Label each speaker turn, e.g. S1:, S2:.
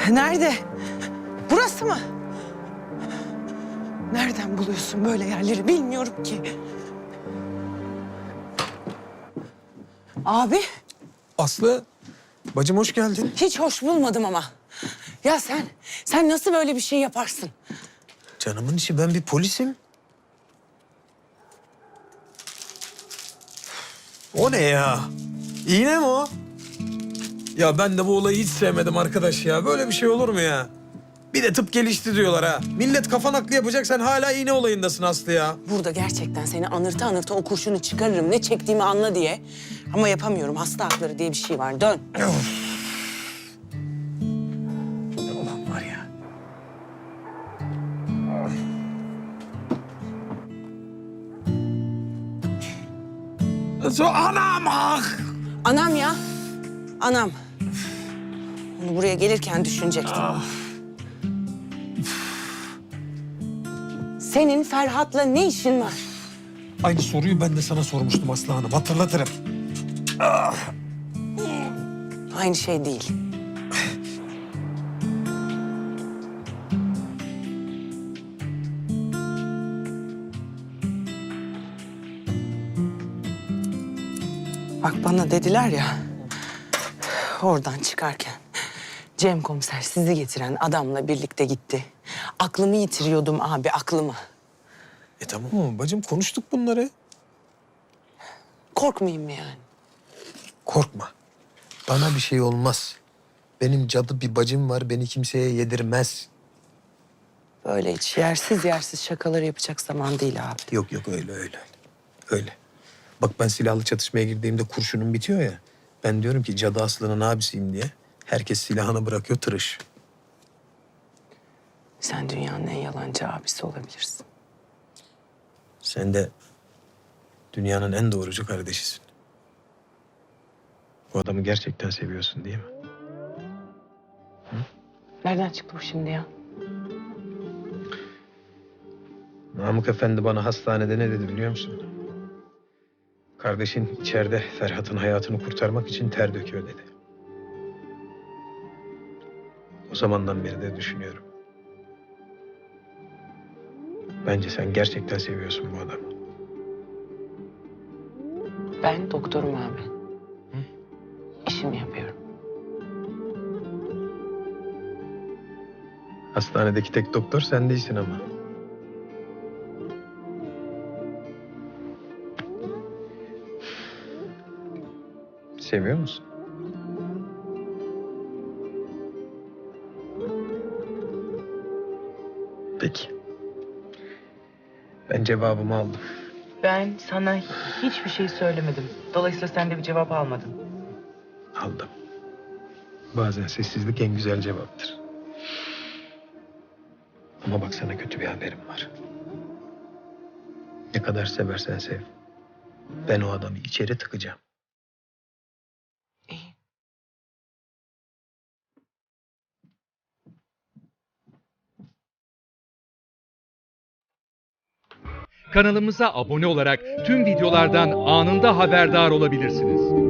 S1: Nerede? Burası mı? Nereden buluyorsun böyle yerleri bilmiyorum ki. Abi
S2: Aslı, bacım hoş geldin.
S1: hiç hoş bulmadım ama. Ya sen nasıl böyle bir şey yaparsın?
S2: Canımın içi, ben bir polisim. O ne ya? İğne mi o? Ya ben de bu olayı hiç sevmedim arkadaş ya. Böyle bir şey olur mu ya? Bir de tıp gelişti diyorlar ha. Millet kafa nakli yapacak, sen hala iğne olayındasın Aslı ya.
S1: Burada gerçekten seni anırta anırta o kurşunu çıkarırım. Ne çektiğimi anla diye. Ama yapamıyorum. Hasta hakları diye bir şey var. Dön.
S2: Ulan var ya. Anam ah!
S1: Anam ya. Anam. Onu buraya gelirken düşünecektim. Senin Ferhat'la ne işin var?
S2: Aynı soruyu ben de sana sormuştum Aslı Hanım. Hatırlatırım.
S1: Aynı şey değil. Bak bana dediler ya, oradan çıkarken Cem komiser sizi getiren adamla birlikte gitti. Aklımı yitiriyordum abi, aklımı.
S2: Tamam mı bacım, konuştuk bunları.
S1: Korkmayayım mı yani?
S2: Korkma. Bana bir şey olmaz. Benim cadı bir bacım var, beni kimseye yedirmez.
S1: Böyle hiç yersiz yersiz şakalar yapacak zaman değil abi.
S2: Yok yok, öyle. Öyle. Bak ben silahlı çatışmaya girdiğimde kurşunum bitiyor ya. Ben diyorum ki cadı Aslı'nın abisiyim diye. Herkes silahını bırakıyor, tırış.
S1: Sen dünyanın en yalancı abisi olabilirsin.
S2: Sen de dünyanın en doğrucu kardeşisin. Bu adamı gerçekten seviyorsun değil mi?
S1: Nereden çıktı bu şimdi ya?
S2: Namık Efendi bana hastanede ne dedi biliyor musun? Kardeşin içeride Ferhat'ın hayatını kurtarmak için ter döküyor dedi. O zamandan beri de düşünüyorum. Bence sen gerçekten seviyorsun bu adamı.
S1: Ben doktorum abi. İşimi yapıyorum.
S2: Hastanedeki tek doktor sen değilsin ama. Seviyor musun? Peki. Ben cevabımı aldım.
S3: Ben sana hiçbir şey söylemedim. Dolayısıyla sen de bir cevap almadın.
S2: Aldım. Bazen sessizlik en güzel cevaptır. Ama bak sana kötü bir haberim var. Ne kadar seversen sev. Ben o adamı içeri tıkacağım.
S1: İyi.
S4: Kanalımıza abone olarak tüm videolardan anında haberdar olabilirsiniz.